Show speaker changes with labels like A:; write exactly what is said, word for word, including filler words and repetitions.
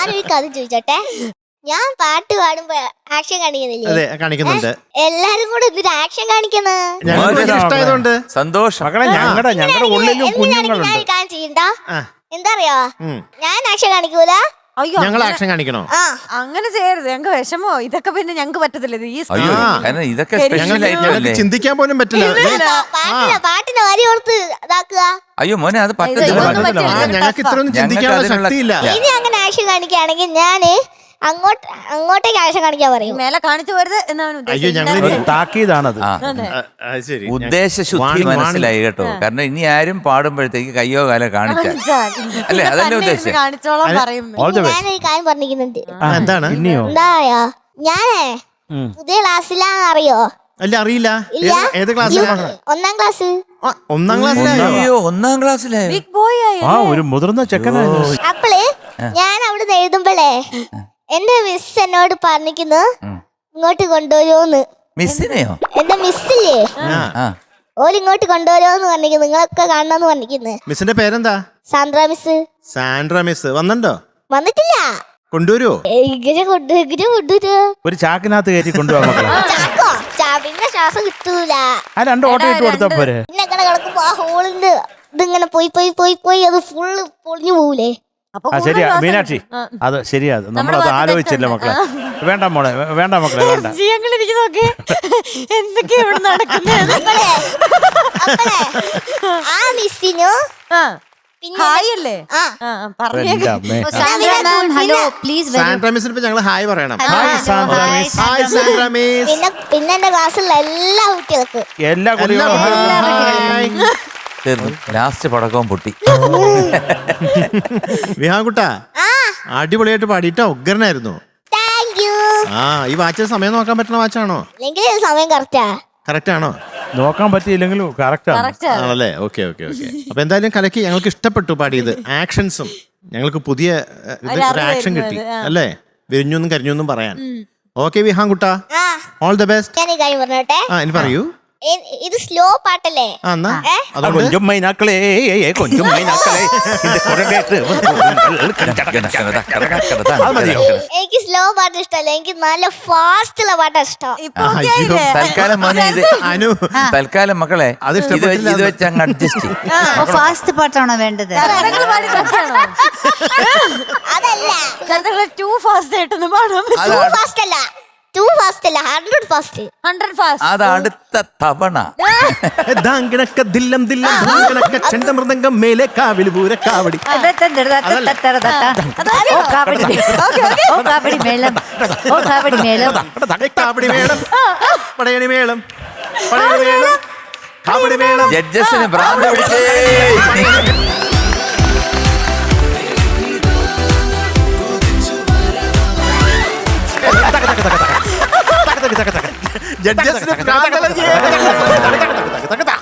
A: ഞാനൊരു കഥ ചോദിച്ചോട്ടെ. ഞാൻ പാട്ട് പാടുമ്പോ ആക്ഷൻ കാണിക്കുന്നില്ലേ?
B: കാണിക്കുന്നുണ്ട്.
A: എല്ലാരും കൂടെ എന്തൊരു ആക്ഷൻ കാണിക്കുന്നത്?
B: ഇഷ്ടമായതുകൊണ്ട്
C: സന്തോഷം.
D: മക്കളെ ഞങ്ങളുടെ ഞങ്ങളുടെ ഉള്ളിലും കുഞ്ഞുങ്ങളുണ്ട്.
A: ഞാൻ കാര്യം ചെയ്യണ്ട. എന്താ അറിയോ, ഞാൻ ആക്ഷൻ കാണിക്കൂല.
E: അയ്യോ,
B: ഞങ്ങൾ ആക്ഷൻ കാണിക്കണോ?
A: ആ
E: അങ്ങനെ ചെയ്യരുത്. ഞങ്ങൾക്ക് വിഷമോ ഇതൊക്കെ. പിന്നെ ഞങ്ങൾക്ക് പറ്റത്തില്ല. ഇത് ഈ
C: അയ്യോ കാരണം ഇതൊക്കെ സ്പെഷ്യൽ
B: ഞങ്ങൾക്ക് ചിന്തിക്കാൻ പോലും പറ്റില്ല.
A: പാട്ടിന് പാട്ടിന്റെ വരി ഓർത്ത് ഇതാക്കുക.
C: അയ്യോ മോനെ അത് പറ്റത്തില്ല.
B: ഞങ്ങൾക്ക് ഇത്രയൊന്നും ചിന്തിക്കാനുള്ള ശക്തിയില്ല.
A: ഇനി അങ്ങനെ ആക്ഷൻ കാണിക്കുകയാണെങ്കിൽ ഞാന് അങ്ങോട്ട് അങ്ങോട്ടേക്ക് ആക്ഷൻ കാണിക്കാൻ പറയും.
E: മേലെ കാണിച്ചു പോരുത് എന്നാണ്
B: അയ്യോ ഞങ്ങൾ
D: താക്കീതാണത്.
B: ശരി,
C: ഉദ്ദേശശുദ്ധി മനസ്സിലായി കേട്ടോ. കാരണം ഇനി ആരും പാടുമ്പോഴത്തേക്ക് കയ്യോ കാലോ കാണിച്ചാൽ അല്ലേ, അതല്ലേ ഉദ്ദേശം.
E: കാണിച്ചോളാം പറയും.
A: ഞാനൊരു കാര്യം പറഞ്ഞിരിക്കുന്നുണ്ട്.
B: എന്താണ്?
A: എന്താ പറയാ, ഞാനേ പുതിയ ക്ലാസ്സിലാന്ന് അറിയോ?
B: അല്ല അറിയില്ല.
A: ഇല്ല.
B: ഏത് ക്ലാസ്?
A: ഒന്നാം ക്ലാസ്.
B: ഒന്നാം ക്ലാസ്സിലായോ?
C: അയ്യോ ഒന്നാം ക്ലാസ്സിലായോ?
E: ബിഗ് ബോയ് ആയി.
D: ആ ഒരു മുതിർന്ന ചെക്കനായിരുന്നു.
A: അപ്പള് ഞാൻ അവിടുന്ന് എഴുതുമ്പോഴേ എന്റെ മിസ് എന്നോട് പറഞ്ഞിരിക്കുന്നു ഇങ്ങോട്ട് കൊണ്ടുവരുമോന്ന്.
C: മിസ്സിനെയോ?
A: എന്റെ മിസ്സില്ലേ,
C: ആ
A: ഓല് ഇങ്ങോട്ട് കൊണ്ടുവരുമോന്ന് പറഞ്ഞിരിക്കുന്നു. നിങ്ങളൊക്കെ കാണണമെന്ന് പറഞ്ഞിരിക്കുന്നു.
B: മിസ്സിന്റെ പേരെന്താ?
A: സാന്ദ്ര മിസ്.
B: സാൻഡ്ര മിസ് വന്നിട്ടുണ്ടോ?
A: വന്നിട്ടില്ല.
B: കൊണ്ടുവരുവോ?
A: ഇങ്ങനെ കൊണ്ടു ഇങ്ങനെ കൊണ്ടുവരുമോ?
D: ഒരു ചാക്കിനകത്ത് കയറ്റി കൊണ്ടുപോകാൻ മക്കളെ.
A: ചാക്കോ ചാ പിന്നെ ശ്വാസം കിട്ടൂല.
D: ആ രണ്ട് ഓട്ടോ ഇട്ട് കൊടുത്താ പോരെ.
A: പിന്നെ ഇങ്ങനെ കിടക്കുമ്പോ ആ ഹോളിന്ന് ഇതിങ്ങനെ പോയി പോയി പോയി പോയി അത് ഫുള്ള് പൊളിഞ്ഞു പോകൂലേ?
D: ആ ശരിയാ മീനാക്ഷി, അത് ശരിയാ. നമ്മളത് ആലോചിച്ചില്ല മക്കളെ. വേണ്ട മോളെ, വേണ്ട മക്കളെ, വേണ്ട.
E: ഞങ്ങളിരിക്കുന്നൊക്കെ എന്തൊക്കെയാ ഇവിടെ നടക്കുന്നത്?
A: ആ മിസ്സിനു
E: ഹായ് അല്ലേ?
A: ആ
D: എന്റെ അമ്മേ.
A: ഹലോ
B: സാൻഡ്ര മിസ്സിന് ഇപ്പൊ ഞങ്ങൾ ഹായ് പറയണം.
D: Hi Sandra miss.
B: Hi Sandra miss.
A: പിന്നെ പിന്നെ എന്റെ ക്ലാസ്സിലുള്ള എല്ലാ കുട്ടികൾക്കും
D: എല്ലാ കുട്ടികളും
B: ഹായ്.
C: തീർന്നു. ലാസ്റ്റ് പടക്കവും പൊട്ടി.
B: വിഹാൻകുട്ടാ അടിപൊളിയായിട്ട് പാടിട്ടോ. ഉഗ്രനായിരുന്നു.
A: Thank you.
B: ആ ഈ വാച്ചിൽ സമയം നോക്കാൻ പറ്റുന്ന വാച്ചാണോ?
A: അല്ലെങ്കിൽ സമയം കറക്റ്റാ.
B: കറക്റ്റ് ആണോ?
D: നോക്കാൻ പറ്റിയില്ലെങ്കിലും കറക്റ്റ് ആണ്.
B: ആണല്ലേ? Okay okay okay. അപ്പൊ എന്തായാലും കലക്കി. ഞങ്ങൾക്ക് ഇഷ്ടപ്പെട്ടു പാടിയത്. ആക്ഷൻസും ഞങ്ങൾക്ക് പുതിയ ഒരു ആക്ഷൻ കിട്ടി അല്ലേ? വിരിഞ്ഞൊന്നും കരിഞ്ഞൊന്നും പറയാൻ. ഓക്കെ വിഹാൻകുട്ടാ,
A: ആ
B: ഓൾ ദ ബെസ്റ്റ്.
A: ഞാൻ ഈ കാര്യം പറഞ്ഞോട്ടെ.
B: ആ ഇനി പറയൂ.
A: ഇത് സ്ലോ പാട്ടല്ലേ?
B: ആ എന്നാ
D: കൊഞ്ചും മൈനാക്കളെ കൊഞ്ചും മൈനാക്കളെ.
A: എനിക്ക് സ്ലോ പാട്ട് ഇഷ്ടമല്ല. എനിക്ക് നല്ല ഫാസ്റ്റ് ഉള്ള പാട്ടാ ഇഷ്ടം.
C: തൽക്കാലം മോനെ ഇത് അനു തൽക്കാലം മക്കളെ
B: അത്
C: ഇത് വെച്ച് ഇത് വെച്ച് അങ്ങ് അഡ്ജസ്റ്റ് ചെയ്യും.
F: ഫാസ്റ്റ് പാട്ടാണോ വേണ്ടത്?
A: അതല്ല
E: ടു ഫാസ്റ്റ് ആയിട്ടൊന്ന് പാടാൻ.
A: ടു ഫാസ്റ്റ് അല്ല, ടു ഫാസ്റ്റ് അല്ല, ഹൺഡ്രഡ് ഫാസ്റ്റ്.
E: Hundred fast.
C: അത് അടുത്ത തവണ.
B: ദാങ്കിണക്ക ദില്ലം ദില്ലം ദാങ്കിണക്ക ചെണ്ടമൃദംഗം മേലെ കാവിലി പൂര കാവടി.
F: ഓ കാവടി ഓ കാവടി മേളം ഓ കാവടി മേളം
B: കാവടി മേളം പടയണി മേളം പടയണി മേളം കാവടി മേളം.
C: ജഡ്ജസിന് ഭ്രാന്ത് പിടിച്ചേ.
B: ജഡ്ജസിന്